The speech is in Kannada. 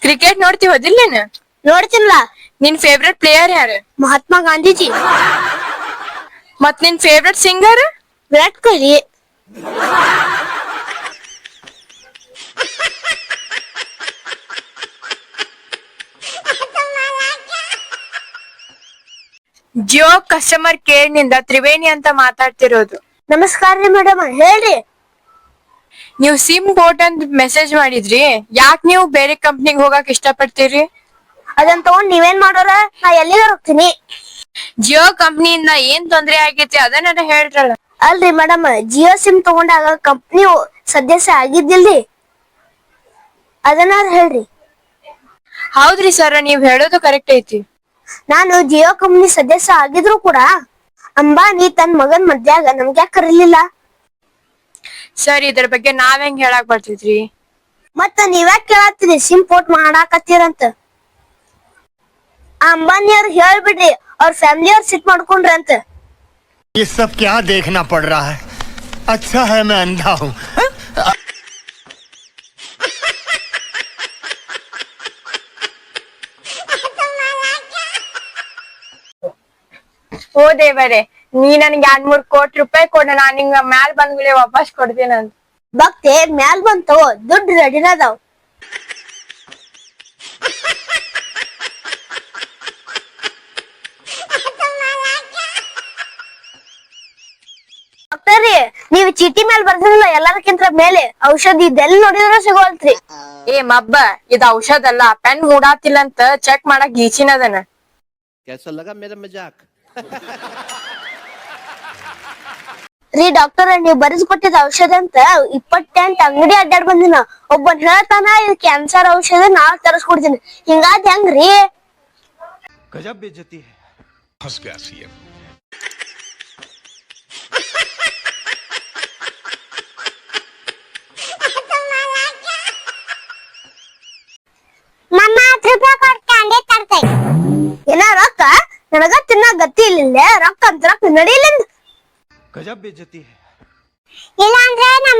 ಕ್ರಿಕೆಟ್ ನೋಡ್ತಿ ಹೋದಿಲ್ಲ ನೀನ್? ನೋಡ್ತೀನಲ್ಲ. ನಿನ್ ಫೇವ್ರೆಟ್ ಪ್ಲೇಯರ್ ಯಾರು? ಮಹಾತ್ಮ ಗಾಂಧೀಜಿ. ಮತ್ ನಿನ್ favourite singer? Virat Kohli. Jio customer care ನಿಂದ ತ್ರಿವೇಣಿ ಅಂತ ಮಾತಾಡ್ತಿರೋದು. ನಮಸ್ಕಾರ ರೀ ಮೇಡಮ್, ಹೇಳ್ರಿ. ನೀವು ಸಿಮ್ ಬೋಟ್ ಅಂತ ಮೆಸೇಜ್ ಮಾಡಿದ್ರಿ, ಯಾಕ್ ನೀವು ಬೇರೆ ಕಂಪ್ನಿಗ್ ಹೋಗಕ್ ಇಷ್ಟ ಪಡ್ತೀರಿ? ಅದನ್ ತಗೊಂಡ್ ನೀವೇನ್ ಮಾಡೋರ? ನಾ ಎಲ್ಲಿಗಾರ ಹೋಗ್ತೀನಿ. ಜಿಯೋ ಕಂಪ್ನಿಯಿಂದ ಏನ್ ತೊಂದ್ರೆ ಆಗೈತಿ ಅದನ್ನ ಹೇಳ್ರಲ್ಲ. ಅಲ್ರಿ ಮೇಡಮ್, ಜಿಯೋ ಸಿಮ್ ತಗೊಂಡಾಗ ಕಂಪ್ನಿ ಸದಸ್ಯ ಆಗಿದ್ದಿಲ್ರಿ, ಅದನ್ನ ಹೇಳ್ರಿ. ಹೌದ್ರಿ ಸರ್, ನೀವ್ ಹೇಳೋದು ಕರೆಕ್ಟ್ ಐತಿ. ನಾನು ಜಿಯೋ ಕಂಪ್ನಿ ಸದಸ್ಯ ಆಗಿದ್ರು ಕೂಡ ಅಂಬಾನಿ ತನ್ ಮಗನ್ ಮದ್ಯಾಗ ನಮ್ಗ್ಯಾಕ ಕರೀಲಿಲ್ಲ? ಸರ್, ಇದ್ರ ಬಗ್ಗೆ ನಾವ್ ಹೆಂಗ್ ಹೇಳಕ್ ಬರ್ತೈತ್ರಿ? ಮತ್ತ ನೀವ್ಯಾಕ ಕೇಳತ್ತೀರಿ ಸಿಮ್ ಪೋರ್ಟ್ ಮಾಡಾಕತ್ತೀರಂತ? ಆ ಅಂಬಾನಿ ಅವ್ರು ಹೇಳ್ಬಿಡ್ರಿ, ಅವ್ರ ಫ್ಯಾಮಿಲಿ ಅವ್ರು ಸಿಟ್ ಮಾಡ್ಕೊಂಡ್ರಿ ಅಂತ. ये सब क्या देखना पड़ रहा है? अच्छा है मैं अंधा हूँ. ಓ ದೇವರೇ, ನೀ ನನ್ಗೆ 2-3 ಕೋಟಿ ರೂಪಾಯಿ ಕೊಡ, ನಾನ್ ನಿಂಗ ಮ್ಯಾಲ್ ಬಂದ್ಮೇಲೆ ವಾಪಸ್ ಕೊಡ್ತೀನಂತ. ಭಕ್ತಿ ಮ್ಯಾಲ್ ಬಂತು, ದುಡ್ಡು ರೆಡಿನ ಅದಾವ್. ಡಾಕ್ಟರ್ರಿ, ನೀವ್ ಚೀಟಿ ಮೇಲೆ ಬರ್ದಿರಲ್ಲ ಎಲ್ಲಾರಕ್ಕಿಂತ ಮೇಲೆ ಔಷಧಿ ಇದೆಲ್ಲ ನೋಡಿದ್ರ ಸಿಗೋಲ್ತ್ರಿ. ಏ ಮಬ್ಬ, ಇದ್ ಔಷಧ ಅಲ್ಲ, ಪೆನ್ ಮೂಡಾತಿಲ್ಲ ಅಂತ ಚೆಕ್ ಮಾಡಕ್ ಗೀಚಿನದನ. कैसा लगा मेरा मजाक? ರೀ ಡಾಕ್ಟರ್, ನೀವ್ ಬರೆದು ಕೊಟ್ಟಿದ ಔಷಧ ಅಂತ 28 ಅಂಗಡಿ ಅಡ್ಡಾಡ್ ಬಂದಿನ. ಒಬ್ಬನ್ ಹೇಳ್ತಾನ ಇದು ಕ್ಯಾನ್ಸರ್ ಔಷಧ, ನಾ ತರಿಸ್ಕೊಡ್ತೀನಿ. ಹಿಂಗಾದ್ ಹೆಂಗ್ರಿ? गजब बेइज्जती है. फंस गया सीएम. ಏನ ರೊಕ್ಕ? ನನಗ ತಿನ್ನ ಗತಿ ಇಲ್ಲ, ರೊಕ್ಕ ಅಂತ ರೊಕ್ಕ ನಡೀಲಿಂದ. गजब बेइज्जती है. ಇಲ್ಲ ಅಂದ್ರೆ ನಾ